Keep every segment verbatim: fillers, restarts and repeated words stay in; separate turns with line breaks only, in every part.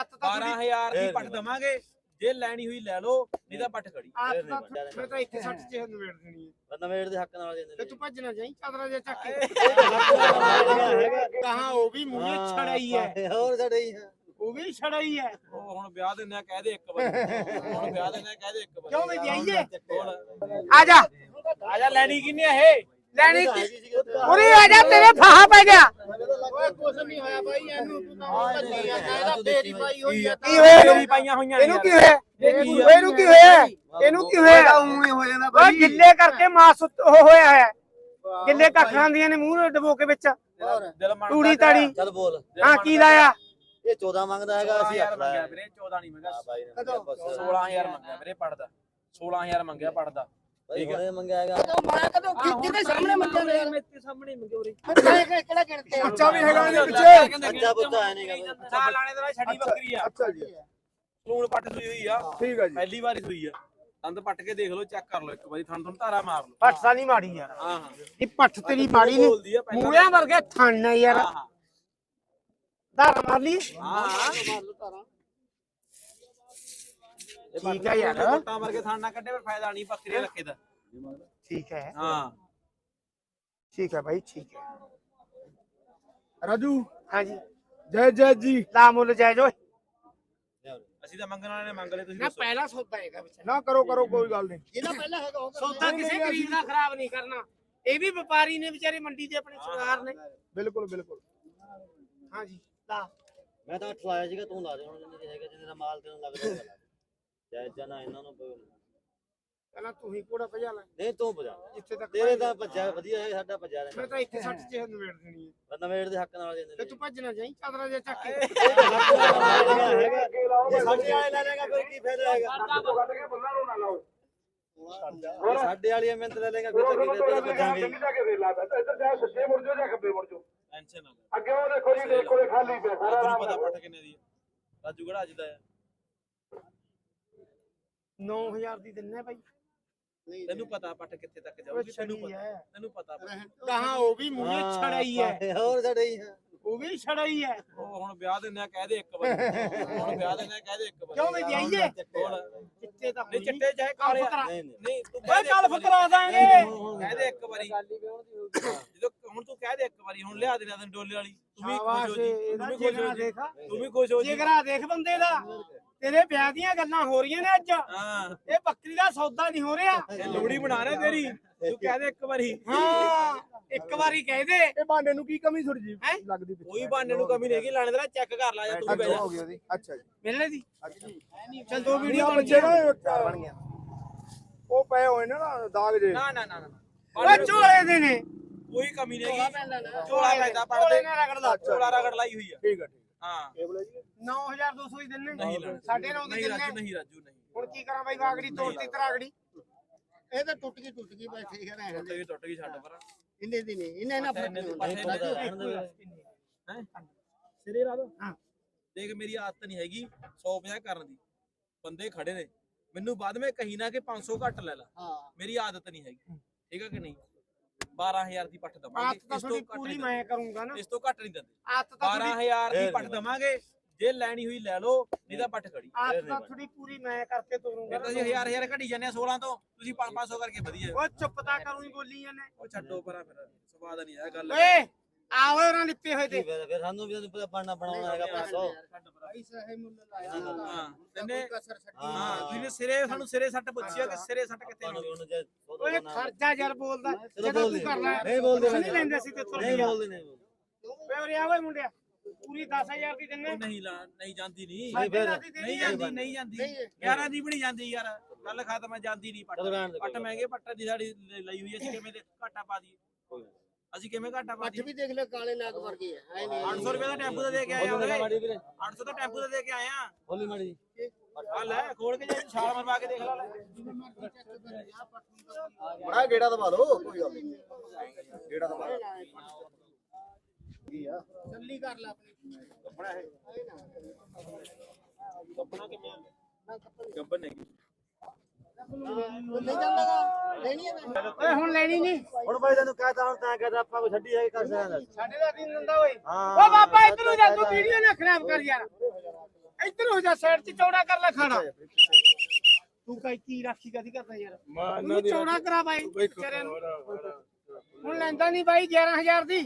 ਬਾਰਾਂ ਹਜ਼ਾਰ ਦੀ ਪੱਟ ਦਵਾਂਗੇ ਜੇ ਲੈਣੀ ਹੋਈ ਲੈ ਲਓ ਨਹੀਂ ਤਾਂ ਪੱਟ ਖੜੀ
ਮੈਂ ਤਾਂ ਇੱਥੇ ਸੱਠ ਚ ਨਵੇੜ ਦੇਣੀ ਹੈ
ਨਵੇੜ ਦੇ ਹੱਕ ਨਾਲ ਦੇ
ਤੇ ਤੂੰ ਭੱਜਣਾ ਜਾਈ ਚਾਦਰਾ ਜਿਹਾ ਚੱਕ ਕੇ ਕਹਾਂ ਉਹ ਵੀ ਮੂਹਰੇ ਛੜਾਈ ਹੈ
ਹੋਰ ਛੜਾਈ ਹੈ
ਉਹ ਵੀ ਛੜਾਈ ਹੈ
ਉਹ ਹੁਣ ਵਿਆਹ ਦਿੰਦੇ ਆ ਕਹਿ ਦੇ ਇੱਕ ਵਾਰੀ ਹੁਣ ਵਿਆਹ ਦਿੰਦੇ ਆ ਕਹਿ ਦੇ ਇੱਕ ਵਾਰੀ
ਕਿਉਂ ਵੀ ਜਾਈਏ
ਹੋਰ
ਆ ਜਾ
ਆ ਜਾ ਲੈਣੀ ਕਿੰਨੀ ਆ ਇਹ
ਲੈਣੀ ਉਰੇ ਆ ਜਾ ਤੇਰੇ ਫਾਹਾ ਪੈ ਗਿਆ ਓਏ ਕੁਛ ਨਹੀਂ ਹੋਇਆ ਬਾਈ ਇਹਨੂੰ ਤੂੰ ਤਾਂ ਭੱਜਿਆ ਕਹਿੰਦਾ ਤੇਰੀ ਪਾਈ ਹੋਈ ਆ
ਕੀ ਹੋਇਆ ਤੇਰੀ ਪਾਈਆਂ ਹੋਈਆਂ
ਇਹਨੂੰ ਕੀ ਹੋਇਆ ਇਹਨੂੰ ਕੀ ਹੋਇਆ ਇਹਨੂੰ ਕੀ ਹੋਇਆ ਉਵੇਂ ਹੋ ਜਾਂਦਾ ਬਾਈ ਗਿੱਲੇ ਕਰਕੇ ਮਾਸ ਉਹ ਹੋਇਆ ਹੈ ਗਿੱਲੇ ਕੱਖਾਂ ਦੀਆਂ ਨੇ ਮੂੰਹ ਡਬੋ ਕੇ ਵਿੱਚ
ਦਿਲ ਮੰਨਦਾ
ਤੂੜੀ ਤਾੜੀ
ਚੱਲ ਬੋਲ
ਹਾਂ ਕੀ ਲਾਇਆ
ਇਹ ਚੌਦਾਂ ਮੰਗਦਾ ਹੈਗਾ ਅਸੀਂ ਅੱਠ
ਮੰਗਿਆ
ਲਾਇਆ
ਵੀਰੇ ਚੌਦਾਂ ਨਹੀਂ ਮੰਗਿਆ
ਕਦੋਂ
ਸੋਲਾਂ ਹਜ਼ਾਰ ਮੰਗਿਆ ਵੀਰੇ ਪੜਦਾ ਸੋਲਾਂ ਹਜ਼ਾਰ ਮੰਗਿਆ ਪੜਦਾ
ਠੀਕ ਹੈ ਮੰਗਿਆ ਹੈਗਾ
ਮੈਂ ਕਦੋਂ ਕਿਹਦੇ ਸਾਹਮਣੇ ਮੰਗਿਆ ਨੇ
ਮੇਰੇ ਸਾਹਮਣੇ ਮੰਗੇ ਉਰੇ
ਕਿਹੜਾ ਗਿਣਤੇ ਬੱਚਾ ਵੀ ਹੈਗਾ ਇਹਦੇ ਪਿੱਛੇ
ਅੱਛਾ ਪੁੱਤਾ ਹੈ ਨਹੀਂ
ਨਾ ਲਾਣੇ ਦਾ ਛੱਡੀ ਬੱਕਰੀ ਆ
ਅੱਛਾ ਜੀ
ਸੂਣ ਪੱਟ ਸੂਈ ਹੋਈ ਆ
ਠੀਕ ਹੈ ਜੀ
ਪਹਿਲੀ ਵਾਰੀ ਸੂਈ ਆ ਦੰਦ ਪੱਟ ਕੇ ਦੇਖ ਲਓ ਚੈੱਕ ਕਰ ਲਓ ਇੱਕ ਵਾਰੀ ਥਣ ਥਣ ਧਾਰਾ ਮਾਰ ਲਓ
ਪੱਠ ਤਾਂ ਨਹੀਂ ਮਾੜੀ ਯਾਰ
ਹਾਂ ਹਾਂ
ਇਹ ਪੱਠ ਤੇਰੀ ਮਾੜੀ
ਬੋਲਦੀ
ਨਹੀਂ
ਆ ਪਹਿਲਾਂ
ਮੂਲਿਆਂ ਵਰਗੇ ਥਣ ਨੇ ਯਾਰ
ਹਾਂ ਹਾਂ
ਧਾਰਾ ਮਾਰ ਲਈ
ਹਾਂ ਹਾਂ
ਠੀਕ ਹੈ ਯਾਰ।
ਬੱਟਾਂ ਵਰਗੇ ਥਣ ਨਾ ਕੱਢੇ ਫਿਰ ਫਾਇਦਾ ਨਹੀਂ ਬੱਕਰੀ ਰੱਖੇ ਦਾ
ਠੀਕ ਹੈ
ਹਾਂ
ਠੀਕ ਹੈ ਭਾਈ ਠੀਕ ਹੈ
ਰਾਜੂ
ਹਾਂਜੀ
ਜੈ ਜੈ ਜੀ
ਲਾ ਮੁੱਲ ਜਾਇਜ਼ ਓਏ
ਅਸੀਂ ਤਾਂ ਮੰਗਣ ਵਾਲੇ ਨੇ ਮੰਗ ਲਏ ਤੁਸੀਂ
ਨਾ
ਦੱਸੋ
ਪਹਿਲਾ ਸੌਦਾ ਹੈਗਾ ਵਿੱਚ
ਨਾ ਕਰੋ ਕਰੋ ਕੋਈ ਗੱਲ ਨਹੀਂ
ਜਿਹਨਾਂ ਪਹਿਲਾਂ ਹੈਗਾ ਉਹ ਸੌਦਾ ਕਿਸੇ ਗਰੀਬ ਦਾ ਖਰਾਬ ਨਹੀਂ ਕਰਨਾ ਇਹ ਵੀ ਵਪਾਰੀ ਨੇ ਵਿਚਾਰੇ ਮੰਡੀ ਦੇ ਆਪਣੇ ਸਰਕਾਰ ਨੇ
ਬਿਲਕੁਲ ਬਿਲਕੁਲ
ਹਾਂਜੀ ਲਾ
ਮੈਂ ਤਾਂ ਅੱਠ ਲਾਇਆ ਸੀਗਾ ਤੂੰ ਲਾ ਦੇ ਹੁਣ ਜਿੰਨੇ ਹੈਗਾ ਜਿੰਨੇ ਦਾ ਮਾਲ ਤੈਨੂੰ ਲੱਗਦਾ ਜੈ ਜਨਾ ਇਹਨਾਂ ਨੂੰ
ਪਹਿਲਾਂ ਤੂੰ ਹੀ ਕੋੜਾ ਭਜਾ ਲੈ
ਨਹੀਂ ਤੂੰ ਭਜਾ
ਜਿੱਥੇ ਤੱਕ
ਤੇਰੇ ਤਾਂ ਭੱਜਿਆ ਵਧੀਆ ਹੈ ਸਾਡਾ ਭੱਜਿਆ
ਮੈਂ
ਰਹਿੰਦਾ
ਤਾਂ ਇੱਥੇ ਸੱਠ ਚ ਨਵੇੜ ਦੇਣੀ ਹੈ
ਨਵੇੜ ਦੇ ਹੱਕ ਨਾਲ ਦੇ
ਤੇ ਤੂੰ ਭੱਜਣਾ ਜਾਈ ਚਾਦਰਾ ਜਿਹਾ ਚੱਕ ਕੇ
ਜੇ ਸਾਡੇ ਵਾਲੇ ਲੈ ਲੇਗਾ ਕੋਈ ਕੀ ਫਾਇਦਾ ਹੈਗਾ ਸਾਡੇ ਵਾਲੀ ਮਿਹਨਤ ਲੈ ਲੇਗਾ ਫਿਰ ਤਾਂ ਕੀ ਫਾਇਦਾ ਭੱਜਾਂਗੇ
ਟੈਨਸ਼ਨ ਨਾ
ਅੱਗੇ ਉਹ ਦੇਖੋ ਜੀ ਦੇਖੋ ਖਾਲੀ ਪਿਆ ਸਾਰਾ
ਤੈਨੂੰ ਪਤਾ ਪੱਟ ਕਿੰਨੇ ਦੀ ਆ ਰਾਜੂ ਕਿਹੜਾ ਅੱਜ ਦਾ ਆ
ਨੌ ਹਜ਼ਾਰ ਦੀ ਦਿੰਨੇ ਭਾਈ
ਤੈਨੂੰ ਪਤਾ ਪੱਟ ਕਿੱਥੇ ਤੱਕ ਜਾਊਗੀ ਤੈਨੂੰ ਪਤਾ ਤੈਨੂੰ ਪਤਾ
ਕਹਾਂ ਉਹ ਵੀ ਮੂਹਰੇ ਛੜਾਈ ਹੈ
ਹੋਰ ਛੜਾਈ ਹੈ
ਉਹ ਵੀ ਛੜਾਈ ਹੈ
ਉਹ ਹੁਣ ਵਿਆਹ ਦਿੰਦੇ ਆ ਕਹਿ ਦੇ ਇੱਕ ਵਾਰੀ ਹੁਣ ਵਿਆਹ ਦਿੰਦੇ ਆ ਕਹਿ ਦੇ ਇੱਕ ਵਾਰੀ
ਕਿਉਂ ਵੀ ਜਾਈਏ
ਹੋਰ
ਚਿੱਟੇ ਤਾਂ
ਨਹੀਂ ਚਿੱਟੇ ਚਾਹੇ ਕਾਲੇ ਆ।
ਨਹੀਂ ਨਹੀਂ
ਨਹੀਂ ਤੂੰ
ਓਏ
ਕਹਿ ਦੇ
ਕੱਲ
ਇੱਕ ਵਾਰੀ।
ਫਕਰਾ ਦਾਂਗੇ
ਕਹਿ ਦੇ ਇੱਕ ਵਾਰੀ ਜਦੋਂ ਹੁਣ ਤੂੰ ਕਹਿ ਦੇ ਇੱਕ ਵਾਰੀ ਹੁਣ ਲਿਆ ਦੇਣਾ ਤੈਨੂੰ ਡੋਲੇ ਵਾਲੀ ਤੂੰ ਵੀ ਖੁਸ਼ ਹੋ ਜੀ ਤੂੰ ਵੀ ਖੁਸ਼ ਹੋ ਜੀ
ਦੇਖ
ਤੂੰ ਵੀ ਖੁਸ਼ ਹੋ ਜੀ
ਜਿਗਰਾ ਦੇਖ ਬੰਦੇ ਦਾ ਤੇਰੇ ਵਿਆਹ ਦੀਆਂ ਗੱਲਾਂ ਹੋ ਰਹੀਆਂ ਨੇ ਅੱਜ
ਹਾਂ
ਇਹ ਬੱਕਰੀ ਦਾ ਸੌਦਾ ਨਹੀਂ ਹੋ ਰਿਹਾ
ਇਹ ਲੋੜੀ ਬਣਾ ਰਿਹਾ ਤੇਰੀ ਤੂੰ ਕਹਿ ਦੇ ਇੱਕ ਵਾਰੀ
ਹਾਂ ਇੱਕ ਵਾਰੀ ਕਹਿ ਦੇ
ਇਹ ਬਾਂਡੇ ਨੂੰ ਕੀ ਕਮੀ ਥੋੜੀ ਜੀ
ਹੈਂ?
ਲੱਗਦੀ ਪਿੱਛੇ
ਕੋਈ ਬਹਾਨੇ ਨੂੰ ਕਮੀ ਨਹੀਂ ਹੈਗੀ ਲਾਣੇ ਦਾ ਚੈੱਕ ਕਰ ਲਾ ਜਾ ਤੂੰ ਬਹਿ ਜਾ
ਹੋ ਗਈ ਉਹਦੀ ਅੱਛਾ ਜੀ
ਮਿਲਣੇ ਦੀ
ਅੱਛਾ ਜੀ
ਚਲ ਦੋ ਵੀਡੀਓ ਬਣ
ਬੱਚੇ ਨਾ
ਗਈਆਂ
ਬਣ ਗਿਆ ਉਹ ਪਏ ਹੋਏ ਨੇ ਨਾ ਦਾਗ ਜੇ
ਨਾ ਨਾ ਨਾ ਨਾ
ਓਏ ਝੋਲੇ ਦੇ ਨੇ
ਕੋਈ ਕਮੀ ਨਹੀਂ ਹੈਗੀ
ਝੋਲਾ
ਝੋਲਾ ਪੈਂਦਾ
ਝੋਲੇ
ਪੜਦੇ
ਨਾਲ ਰਗੜਦਾ
ਝੋਲਾ ਰਗੜ ਲਾਈ ਹੋਈ ਆ
ਠੀਕ ਹੈ ਠੀਕ
ਹਾਂ
ਕੇਬਲ ਜੀ
ਨੌ ਹਜ਼ਾਰ ਦੋ ਸੌ ਹੀ ਦਿੰਨੇ
ਨਹੀਂ ਲੈਣਾ
ਸਾਡੇ ਨੌ ਦੀ
ਨਹੀਂ ਰਾਜੂ
ਦਿੰਨੇ
ਨਹੀਂ ਰਾਜੂ ਨਹੀਂ
ਹੁਣ ਕੀ ਕਰਾਂ ਬਾਈ ਵਾਗੜੀ ਤੋੜਤੀ ਤਰਾਗੜੀ
ਇਹ ਤਾਂ ਟੁੱਟ ਗਈ ਟੁੱਟ ਗਈ ਬਸ ਠੀਕ ਹੈ
ਟੁੱਟ ਗਈ ਟੁੱਟ ਗਈ ਛੱਡ ਪਰ
ਇੰਨੇ ਦੀ ਨਹੀਂ ਇੰਨੇ ਨਾ ਫਰਕ ਨਹੀਂ
ਪੱਠੇ
ਹੁੰਦਾ
ਨਹੀਂ ਰਹਿਣ ਦੇ ਹੈ ਸਿਰੇ ਲਾ ਦੋ
ਹਾਂ।
ਦੇਖ ਮੇਰੀ ਆਦਤ ਨਹੀਂ ਹੈਗੀ ਸੌ ਪੰਜਾਹ ਕਰਨ ਦੀ ਬੰਦੇ ਖੜੇ ਨੇ ਮੈਨੂੰ ਬਾਅਦ ਵਿੱਚ ਕਹੀ ਨਾ ਕਿ ਪੰਜ ਸੌ ਘੱਟ ਲੈ ਲਾ
ਹਾਂ
ਮੇਰੀ ਆਦਤ ਨਹੀਂ ਹੈਗੀ ਠੀਕ ਹੈ ਕਿ ਨਹੀਂ ਬਾਰਾਂ ਹਜ਼ਾਰ ਦੀ ਪੱਠ
ਆਤ
ਦਵਾਂਗੇ
ਤਾਂ
ਇਸ ਤੋਂ
ਤੁਹਾਡੀ
ਘੱਟ
ਪੂਰੀ
ਨਹੀਂ
ਮੈਂ ਕਰੂੰਗਾ ਨਾ
ਇਸ ਤੋਂ ਘੱਟ ਨਹੀਂ ਦਿੰਦੇ
ਆਤ ਤਾਂ
ਬਾਰਾਂ
ਤੁਹਾਡੀ
ਹਜ਼ਾਰ ਦੀ ਪੱਠ ਦਵਾਂਗੇ ਜੇ ਲੈਣੀ ਹੋਈ ਲੈ ਲਓ ਨਹੀਂ ਤਾਂ ਪੱਠ ਖੜੀ
ਆਤ ਤਾਂ ਤੁਹਾਡੀ ਪੂਰੀ ਮੈਂ ਕਰਕੇ ਤੋਰੂੰਗਾ
ਫਿਰ ਤਾਂ ਅਸੀਂ ਹਜ਼ਾਰ ਹਜ਼ਾਰ ਘਟੀ ਜਾਂਦੇ ਆ ਸੋਲਾਂ ਤੋਂ ਤੁਸੀਂ ਪੰਜ ਪੰਜ ਸੌ ਕਰਕੇ ਵਧੀਆ
ਓ ਚੁੱਪ ਤਾਂ ਕਰੂੰ ਹੀ ਬੋਲੀ ਜਾਂਦੇ
ਉਹ ਛੱਡੋ ਪਰਾਂ ਫਿਰ ਸਵਾਦ ਨਹੀਂ ਆ ਗੱਲ
ਓਏ ਆਓ ਉਹਨਾਂ ਲਿੱਪੇ ਹੋਏ ਤੇ
ਫਿਰ ਸਾਨੂੰ ਵੀ ਤੈਨੂੰ ਪਤਾ ਬਣਨਾ ਬਣਾਉਣਾ ਹੈਗਾ ਪੰਜ ਸੌ
ਪੈਸਾ ਹੈ ਮੁੱਲ ਲਾਇਆ
ਹਾਂ ਤੈਨੇ
ਕਸਰ ਛੱਡੀ
ਹਾਂ ਤੁਸੀਂ ਸਿਰੇ ਸਾਨੂੰ ਸਿਰੇ ਸੱਟ ਪੁੱਛਿਆ ਕਿ ਸਿਰੇ ਸੱਟ ਕਿੱਥੇ
ਤੁਹਾਨੂੰ
ਲਾਉਣੀ
ਉਹਨੂੰ ਜੇ
ਓਏ ਖਰਚਾ ਯਾਰ ਬੋਲਦਾ
ਚਲੋ
ਜਦੋਂ
ਬੋਲ
ਤੂੰ
ਦੇ
ਕਰਨਾ
ਨਹੀਂ ਬੋਲਦੇ
ਨਹੀਂ ਲੈਂਦੇ ਸੀ ਤੇ
ਨਹੀਂ ਬੋਲਦੇ ਨਹੀਂ
ਓਏ ਉਰੇ ਆ ਓਏ ਮੁੰਡਿਆ ਪੂਰੀ ਦਸ ਹਜ਼ਾਰ ਦੀ ਦਿੰਨੇ
ਉਹ ਨਹੀਂ ਲਾ ਨਹੀਂ ਜਾਂਦੀ ਨਹੀਂ
ਨਹੀਂ ਫਿਰ
ਨਹੀਂ ਜਾਂਦੀ ਨਹੀਂ ਜਾਂਦੀ ਗਿਆਰਾਂ ਦੀ ਵੀ ਨਹੀਂ ਜਾਂਦੀ ਯਾਰ ਗੱਲ ਖਤਮ ਹੈ ਜਾਂਦੀ ਨਹੀਂ ਪੱਟ
ਚਲੋ ਰਹਿਣ ਦੇ
ਪੱਟ ਮਹਿੰਗੇ ਪੱਟ ਦੀ ਸਾਡੀ ਲ- ਲਈ ਹੋਈ ਅਸੀਂ ਕਿਵੇਂ ਦੇ ਘਾਟਾ ਪਾ ਦਈਏ ਅਸੀਂ ਕਿਵੇਂ ਘਾਟਾ ਪਾ
ਪੱਠ
ਦਈਏ
ਵੀ ਦੇਖ ਲੈ ਕਾਲੇ ਨਾਗ ਵਰਗੇ ਆ ਐ ਨਹੀਂ
ਅੱਠ ਸੌ ਰੁਪਏ ਦਾ ਟੈਂਪੂ ਦਾ ਦੇ ਕੇ ਆਏ ਆ
ਬੋਲੀ
ਉਹਦੇ
ਮਾੜੀ ਵੀਰੇ
ਅੱਠ ਸੌ ਦਾ ਟੈਂਪੂ ਦਾ ਦੇ ਕੇ ਆਏ ਆ
ਬੋਲੀ ਮਾੜੀ
ਆ ਲੈ ਖੋਲ ਕੇ ਜੇ ਛਾਲ ਮਰਵਾ ਕੇ ਦੇਖ ਲਾ ਲੈ
ਬੜਾ ਗੇੜਾ ਦਬਾ ਲਓ ਕੋਈ ਗੱਲ ਨਹੀਂ ਗੇੜਾ ਦਬਾ ਲਓ ਕੀ ਆ
ਚੱਲੀ ਕਰ ਲੈ ਆਪਣੀ
ਕੱਪੜਾ ਹੈ
ਕੱਪਣਾ ਕਿਵੇਂ ਗੱਬਨ ਨਹੀਂ
ਲੈ ਜਾਂਦਾਗਾ ਲੈਣੀ ਹੈ ਨਾ
ਓਏ ਹੁਣ ਲੈਣੀ ਨਹੀਂ
ਹੁਣ ਬਾਈ ਤੈਨੂੰ ਕਹਤਾ ਹੁਣ ਤਾਂ ਕਹਤਾ ਆਪਾਂ ਕੋਈ ਛੱਡੀ ਹੈ ਕਰ ਸਕਦਾ
ਸਾਡੇ ਦਾ ਦਿਨ ਦਿੰਦਾ ਓਏ
ਹਾਂ
ਓ ਬਾਬਾ ਇਧਰ ਨੂੰ ਜਾ ਤੂੰ ਵੀਡੀਓ ਨਾ ਖਰਾਬ ਕਰ ਯਾਰ ਇੱਧਰ ਹੋ ਜਾ ਸਾਈਡ 'ਚ ਚੌੜਾ ਕਰ ਲੈ ਖਾਣਾ ਤੂੰ ਕਈ ਕੀ ਰਾਖੀ ਕਦੀ ਕਰਦਾ ਯਾਰ ਉਹਨੂੰ ਚੌੜਾ ਕਰਾ ਬਾਈ ਵਿਚਾਰੇ ਨੂੰ ਹੁਣ ਲੈਂਦਾ ਨਹੀਂ ਬਾਈ ਗਿਆਰਾਂ ਹਜ਼ਾਰ ਦੀ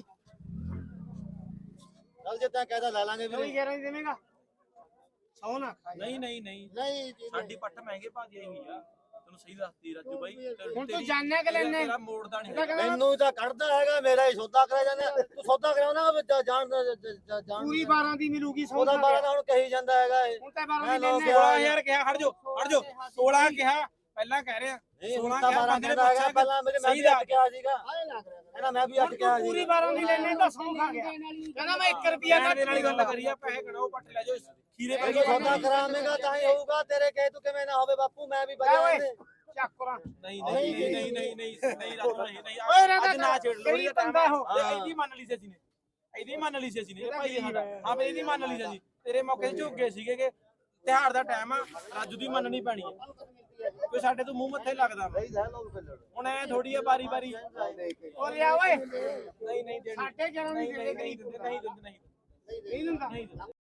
ਚੱਲ ਜੇ ਤੈਂ ਕਹਿਦਾ ਲੈ ਲਾਂਗੇ
ਕੋਈ
ਵੀਰੇ
ਗਿਆਰਾਂ ਦੀ ਦੇਵੇਂਗਾ ਸੌ ਨਾ ਖਾਈ
ਨਹੀਂ ਨਹੀਂ ਨਹੀਂ
ਨਹੀਂ ਜੀ,
ਸਾਡੀ ਪੱਟ ਮਹਿੰਗੇ ਭਾਅ ਦੀ ਆਈ ਆ ਤੈਨੂੰ ਸਹੀ ਦੱਸਦੀ ਰਾਜੂ ਬਾਈ
ਹੁਣ ਤੂੰ ਜਾਣਿਆ ਕਿ ਲੈਣੇ
ਤੇਰਾ ਮੋੜਦਾ ਨਹੀਂ
ਇਹਦਾ ਕਹਿੰਦਾ
ਮੈਨੂੰ ਤਾਂ ਕੱਢਦਾ ਹੈਗਾ ਮੇਰਾ ਹੀ ਸੌਦਾ ਕਰਿਆ ਜਾਂਦਾ ਤੂੰ ਸੌਦਾ ਕਰਾਉਣਾ ਜਾਣ ਜਾਣ
ਪੂਰੀ ਬਾਰਾਂ ਦੀ ਮਿਲੂਗੀ ਸੌ
ਉਹਦਾ ਬਾਰਾਂ ਦਾ ਹੁਣ ਕਹੀ ਜਾਂਦਾ ਹੈਗਾ ਇਹ
ਹੁਣ ਤਾਂ ਬਾਰਾਂ
ਮੈਂ
ਦੀ
ਲੋਕ
ਲੈਣੇ
ਸੋਲਾਂ ਹਜ਼ਾਰ ਕਿਹਾ ਖੜ ਜਾ ਖੜ ਜਾ ਸੋਲਾਂ ਕਿਹਾ ਪਹਿਲਾਂ ਕਹਿ ਰਿਹਾ
ਨਹੀਂ ਹੁਣ
ਸੋਲਾਂ
ਤਾਂ
ਕਿਹਾ
ਬਾਰਾਂ
ਬੰਦੇ ਨੇ
ਕਹਿੰਦਾ ਹੈਗਾ
ਪੁੱਛਿਆ
ਪਹਿਲਾਂ ਮੇਰੇ ਮੈਂ
ਸਹੀ
ਵੀ
ਦੱਸ
ਅੱਟ ਗਿਆ ਸੀਗਾ
ਆਏ ਲੱਗ ਰਿਹਾ
ਕਹਿੰਦਾ ਮੈਂ ਵੀ ਅੱਟ ਗਿਆ
ਪੂਰੀ
ਸੀ
ਬਾਰਾਂ ਦੀ ਲੈਣੇ ਤਾਂ ਸੌ ਖਾ ਗਿਆ ਕਹਿੰਦਾ ਮੈਂ ਇੱਕ ਰੁਪਿਆ
ਯਾਰ
ਦਾ
ਦੇ ਨਾਲ ਹੀ ਗੱਲ ਕਰੀ ਆ ਪੈਸੇ ਗਣਾਓ ਪੱਟ ਲੈ ਜਾਓ ਖੀਰੇ ਪੈ
ਤੂੰ ਸੌਦਾ ਕਰਾਵੇਂਗਾ ਤਾਂ ਹੀ ਹੋਊਗਾ ਤੇਰੇ ਕਹੇ ਤੂੰ ਕਿਵੇਂ ਨਾ ਹੋਵੇ ਬਾਪੂ ਮੈਂ ਵੀ
ਲੈ ਓਏ
ਬਜਾ
ਚੱਕਰਾ
ਨਹੀਂ ਨਹੀਂ ਨਹੀਂ ਨਹੀਂ ਨਹੀਂ ਨਹੀਂ ਰਾਜੂ ਨਹੀਂ ਨਹੀਂ
ਓਏ ਰਾਜਾ
ਅੱਜ ਨਾ ਛੇੜ ਲੋ
ਗਰੀਬ ਬੰਦਾ ਉਹ।
ਇਹਦੀ ਮੰਨ ਲਈ ਸੀ ਅਸੀਂ ਨੇ ਇਹਦੀ ਮੰਨ ਲਈ ਸੀ ਅਸੀਂ ਨੇ ਭਾਈ ਸਾਡਾ ਹਾਂ ਬਈ ਇਹਦੀ ਮੰਨ ਲਈ ਸੀ ਅਸੀਂ ਤੇਰੇ ਮੌਕੇ ਤੇ ਝੁੱਕ ਗਏ ਸੀਗੇ ਕਿ ਤਿਉਹਾਰ ਦਾ ਟਾਈਮ ਆ ਰਾਜੂ ਦੀ ਮੰਨਣੀ ਪੈਣੀ ਹੈ ਕੋਈ ਸਾਡੇ ਤੋਂ ਮੂੰਹ ਮੱਥੇ ਲੱਗਦਾ ਵਾ। ਹੁਣ ਐ ਥੋੜੀ ਆ ਬਾਰੀ ਬਾਰੀ
ਓ ਲਿਆ ਓਏ
ਨਹੀਂ ਨਹੀਂ ਦੇਣੀ
ਸਾਡੇ ਗਿਆਰਾਂ ਦੀ
ਨਹੀਂ
ਦੇ
ਨਹੀਂ
ਦੇ
ਨਹੀਂ ਦਿੰਦੇ ਨਹੀਂ ਦਿੰਦੇ ਨਹੀਂ
ਨਹੀਂ ਦਿੰਦਾ
ਨਹੀਂ ਦਿੰਦੇ